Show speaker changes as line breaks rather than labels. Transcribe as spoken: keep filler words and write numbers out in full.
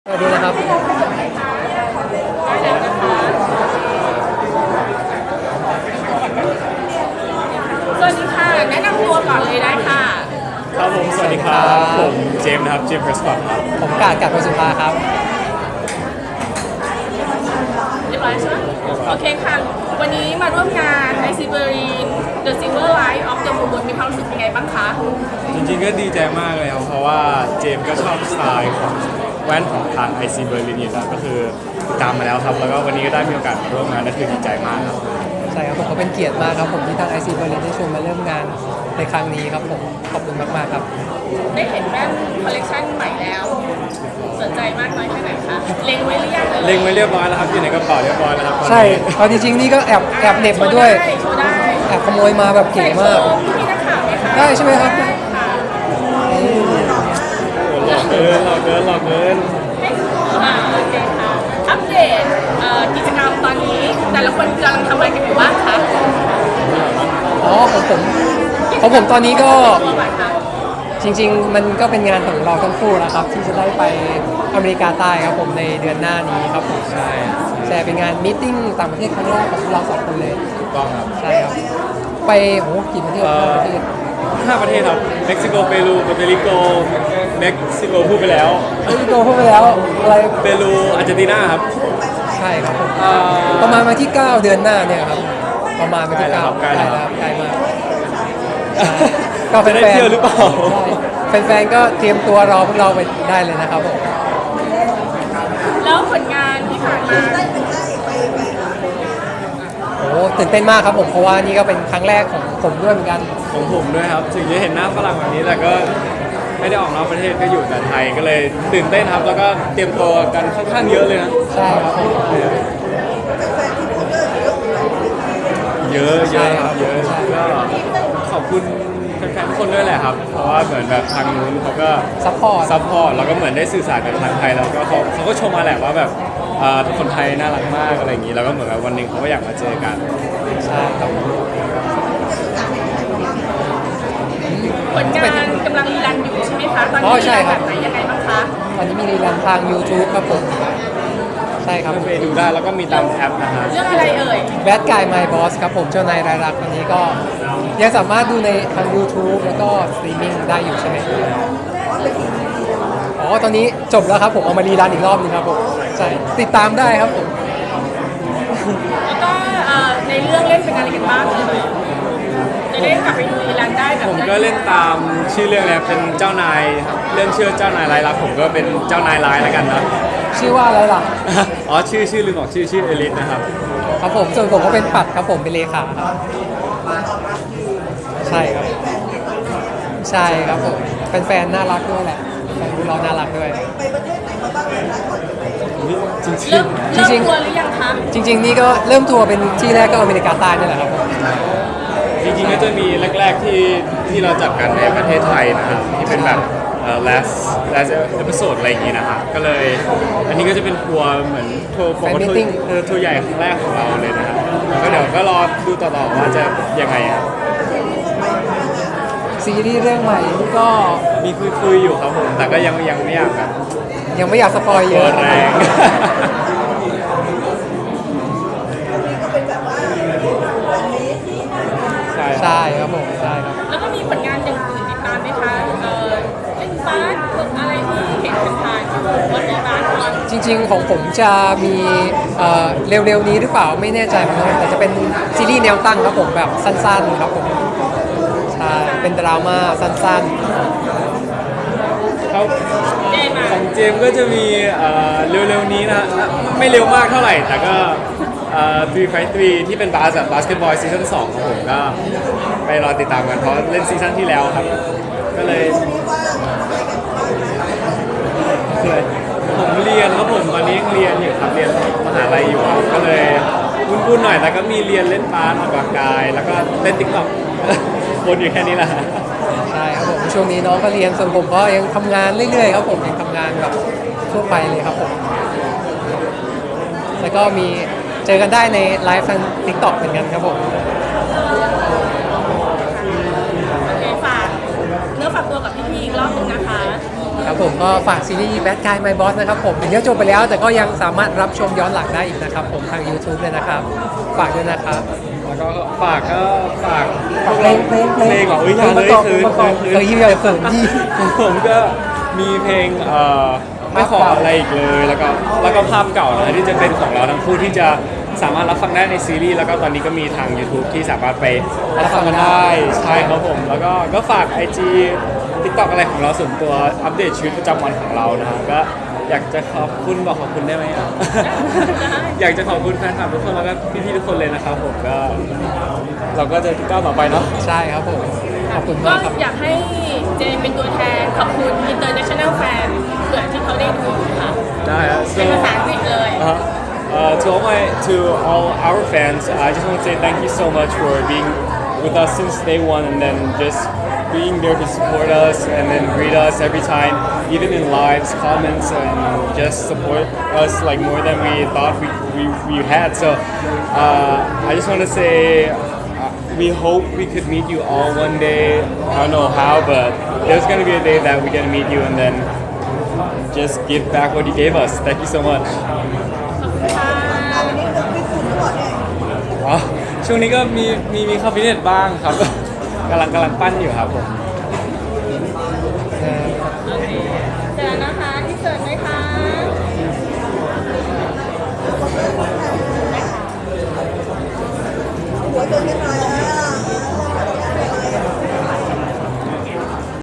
สวัสดีนะครับ
สวัสดีค่ะแนะนำตัวก่อนเลยได้ค่ะ
ครับผมสวัสดีครับผมเจมส์นะครับเจมส์เพรสคอตครับ
ผมกาดกาดคนสุภาครับ
เรียบร้อยใช่ไหมโอเคค่ะวันนี้มาร่วมงาน ไอ ซี Berlin The Silver Light of the Moon มีความรู้สึกยังไงบ้างคะ
จริงๆก็ดีใจมากเลยครับเพราะว่าเจมส์ก็ชอบสไตล์ของแว่นของทาง ไอ ซี Berlin อยู่แล้วก็คือตามมาแล้วครับแล้วก็วันนี้ก็ได้มีโอกาสมาร่วมงานนั่นคือดีใจมากครับ
ใช่ครับผมก็เป็นเกียรติมากครับผมที่ทาง ไอ ซี Berlin ได้ชวนมาเริ่มงานในครั้งนี้ครับผมขอบคุณมากๆครับ
ได้เห็นแว่นคอลเลคชันใหม่แล้วสนใจมากน้อยแค่ไหนคะเล็งไว้หรือยัง
เล็งไว้เรียบร้อยแล้วครับอยู่ในกระเป๋าเรียบร้อยแล้วครับ
ใช่เอาจริงๆนี่ก็แอบแอบเหน็บมาด้วย
โชว์ได้
แอบขโมยมาแบบเก๋มาก
พี่นักข่าวไหมคะ
ได้ใช่ไหมครับ
ได้ค่ะ
หลอกเกินหลอกเกินหลอกเกิน
อ่าโอเคค่ะอัปเดตเอ่อกิจกรรมตอนนี้แต่ละคนกำลังทำอะไรกันอยู่บ้างคะ
อ๋อของผมของผมตอนนี้ก็จริงๆมันก็เป็นงานของเราทั้งคู่นะครับที่จะได้ไปอเมริกาใต้ครับผมในเดือนหน้านี้ครับผมใช่ใช่เป็นงานมีตติ้งต่างประเทศครั้งแรกของเราสองคนเลย
ถูกต้องครับ
ใช่ครับไปโหกี่ประเทศห้าประเทศ
ห้าประเทศครับเม็กซิโกเปรูโปรตุเกสเม็กซิโกพูดไปแล้ว
เม็กซิโกพูดไปแล้วอะไร
เปรูอาร์เจนตินาครับ
ใช่ครับผมประมาณมาที่เก้าเดือนหน้าเนี่ยครับประมาณมาที่เก้าใกล้แล้วครับใกล้มาก
ก็แฟนๆได้เที่ยวหรือเปล่า
แฟนๆก็เตรียมตัวรอพวกเราไปได้เลยนะครับผม
แล้วผลงานที่ผ่านมา
โอ้ตื่นเต้นมากครับผมเพราะว่านี่ก็เป็นครั้งแรกของผมด้วยเหมือนกัน
ของผมด้วยครับถึงจะเห็นหน้าฝรั่งแบบนี้แต่ก็ไม่ได้ออกนอกประเทศก็อยู่แต่ไทยก็เลยตื่นเต้นครับแล้วก็เตรียมตัวกันค่อนข้างเยอะเลยนะ
ใช่ครับ
เยอะเยอะครับเยอะก็ขอบคุณแฟนๆทุกคนด้วยแหละครับเพราะว่าเหมือนแบบทางนู้นเขาก็
ซัพพอร์ต
ซัพพอร์ตแล้วก็เหมือนได้สื่อสารกับทางไทยแล้วก็เขาเขาก็ชมมาแหละว่าแบบคนไทยน่ารักมากอะไรอย่างนี้แล้วก็เหมือนแบบวันหนึ่งเขาก็อยากมาเจอกัน
ใช่ครับ
ผลงานกำลังรีรันอยู่ใช่ไหมคะตอนนี้มีแบบไหนยังไงบ้างคะ
ตอนนี้มีรีรันทาง YouTube ครับผมใช่ครับ
ไปดูได้แล้วก็มีตามแอปนะฮะ
เรื่องอะไรเอ่ย
Bad Guy My Boss ครับผมเจ้านายรายรักอันนี้ก็ยังสามารถดูในทาง YouTube แล้วก็สตรีมมิ่งได้อยู่ใช่ไหมอ๋อตอนนี้จบแล้วครับผมเอามารีรันอีกรอบนึงครับผมใช่ติดตามได้ครับผม
แล้วก็ในเรื่องเล่นเป็นอะไรกันบ้างเลยจะได้กลับไปดูรีรันได้แบบ
ผมก็เล่นตามชื่อเรื่องเลยเป็นเจ้านายครับเรื่องชื่อเจ้านายรายรักผมก็เป็นเจ้านายร้ายแล้วกันนะ
ชื่อว่าอะไรล่ะ
อ๋อชื่อชื่อลืมบอกชื่อชื่อเอลิสนะครับ
ครับผมส่วนผมก็เป็นปัดครับผมเป็นเลขาครับใช่ครับใช่ครับผมแฟนๆน่ารักด้วยแหละแฟนเราน่ารักด้วย
จริง
จริงจริงทัวร์หรือยังคะ
จริงๆนี่ก็เริ่มทัวร์เป็นที่แรกก็อเมริกาใต้นี่แหละครับผม
จริงๆก็จะมีแรกๆที่ที่เราจัดกันในประเทศไทยนะครับที่เป็นแบบlast last episode อะไรอย่างงี้นะครับก็เลยอันนี้ก็จะเป็นทัวร์เหมือนทัวร์ของทัวร์ทัวร์ใหญ่ครั้งแรกของเราเลยนะครับก็เดี๋ยวก็รอดูต่อๆว่าจะยังไงครับ
ซีรีส์เรื่องใหม่นี่ก็
มีคุยๆอยู่ครับผมแต่ก็ยังยังไม่อยากแบบ
ยังไม่อยากสปอยเยอะ
แรง
ใช่ใช่ครับผมใช่ครับ
แล้วก็มีผลงานอย่างอื่นติดตามไหมคะเอ่อเล่นบาสอะไรที่เห็นผ่านๆวันนี้บาส
จริงๆของผมจะมีเร็วๆนี้หรือเปล่าไม่แน่ใจเหมือนกันแต่จะเป็นซีรีส์แนวตั้งครับผมแบบสั้นๆครับผมใช่เป็นดราม่าสั้น
ๆครับของเจมก็จะมีเร็วๆนี้นะไม่เร็วมากเท่าไหร่แต่ก็ทรีไฟทรีที่เป็นบาสบาสเกตบอลซีซั่นสองของผมก็ไปรอติดตามกันเพราะเล่นซีซั่นที่แล้วครับก็เลยผมเรียนแล้วผมตอนนี้ยังเรียนอยู่ครับเรียนมหาลัยอยู่ก็เลยวุ่นๆหน่อยแต่ก็มีเรียนเล่นบาสออกกำลังกายแล้วก็เล่นติ๊กต็อกวนอยู่แค่นี้แหละ
ใช่ครับผมช่วงนี้น้องก็เรียนส่วนผมก็ยังทำงานเรื่อยๆครับผมยังทำงานแบบทั่วไปเลยครับผมแล้วก็มีเจอกันได้ในไลฟ์ทาง ติ๊กต็อก เหมือนกันครับผม
โอเคฝากเนื้อฝากตัวกับพี่ๆอีกรอบนึงนะคะ
ครับครับผมก็ฝากซีรีส์ Bad Guy My Boss นะครับผมถึงจะจบไปแล้วแต่ก็ยังสามารถรับชมย้อนหลังได้อีกนะครับผมทาง YouTube เลยนะครับฝากด้วยนะครับ
แล้วก็ฝากก็ฝาก
ฝากเพลงเพลง
เพลงเหรออุ้ย
เพ
อ
ล
ย่าง เล
ประกอย บ
คือ
ประกอบ
คือ
เออยิ้มใหญ่เขินยี่
ผมก็มีเพลงเอ่อไม่ขออะไรอีกเลยแล้วก็แล้วก็ภาพเก่านะที่จะเป็นของเราทั้งคู่ที่จะสามารถรับฟังได้ในซีรีส์แล้วก็ตอนนี้ก็มีทาง YouTube ที่สามารถไปรับฟังกันได้ใช่ครับผมแล้วก็ก็ฝาก ไอ จี TikTok อะไรของเราส่วนตัวอัปเดตชีวิตประจำวันของเรานะฮะก็อยากจะขอบคุณบอกขอบคุณได้ไหมอ่ะ อยากจะขอบคุณแฟนคลับทุกคนแล้วก็พี่ๆทุกคนเลยนะครับผมก็เราก็จะก้าวต่อไปเนาะ
ใช่ครับผมขอบคุณ
ก็
มากครับ
อยากให้เจนเป็นตัวแทนขอบคุณ international fan เผื่อที่เขาได้ดูค่ะ
ได้ครับ
เป็นภาษาอังกฤษเลย
Uh, uh, to all my to all our fans, I just want to say thank you so much for being with us since day one, and then just being there to support us and then greet us every time, even in lives, comments, and just support us like more than we thought we we, we had. So uh, I just want to say. Uh, we hope we could meet you all one day. I don't know how, but there's gonna be a day that we get to meet you and then just give back what you gave us. Thank you so much. อ๋อช่วงนี้ก็มีมีมีเข้าฟิตเนสบ้างครับ กำลังกำลังปั้นอยู่ครับผม